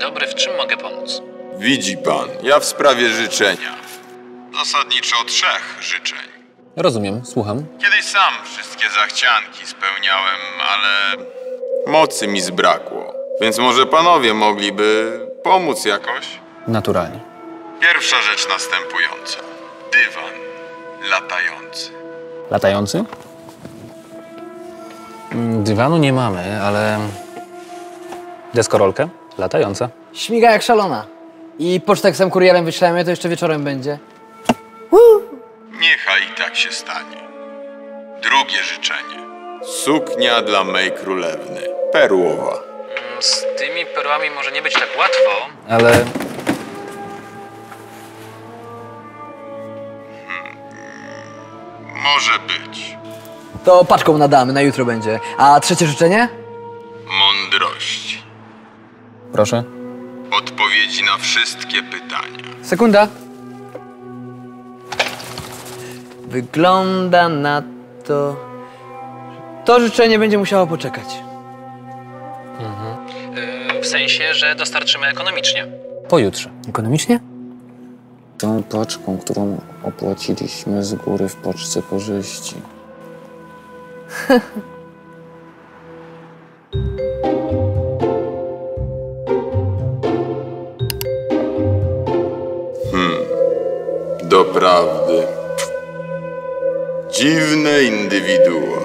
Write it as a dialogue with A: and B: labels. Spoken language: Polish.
A: dobry, w czym mogę pomóc?
B: Widzi pan, ja w sprawie życzenia. Zasadniczo 3 życzeń.
A: Rozumiem, słucham.
B: Kiedyś sam wszystkie zachcianki spełniałem, ale mocy mi zbrakło. Więc może panowie mogliby pomóc jakoś?
A: Naturalnie.
B: Pierwsza rzecz następująca. Dywan latający.
A: Latający? Dywanu nie mamy, ale... Deskorolkę? Latająca.
C: Śmiga jak szalona. I pocztę jak sam kurierem wyślemy, to jeszcze wieczorem będzie.
B: Niechaj i tak się stanie. Drugie życzenie. Suknia dla mej królewny. Perłowa.
A: Z tymi perłami może nie być tak łatwo, ale...
B: Może być.
C: To paczką nadamy, na jutro będzie. A trzecie życzenie?
B: Mądrości.
A: Proszę.
B: Odpowiedzi na wszystkie pytania.
C: Sekunda. Wygląda na to... To życzenie będzie musiało poczekać.
A: W sensie, że dostarczymy ekonomicznie. Pojutrze.
C: Ekonomicznie?
D: Tą paczką, którą opłaciliśmy z góry w paczce korzyści.
B: Doprawdy. Dziwne indywidua.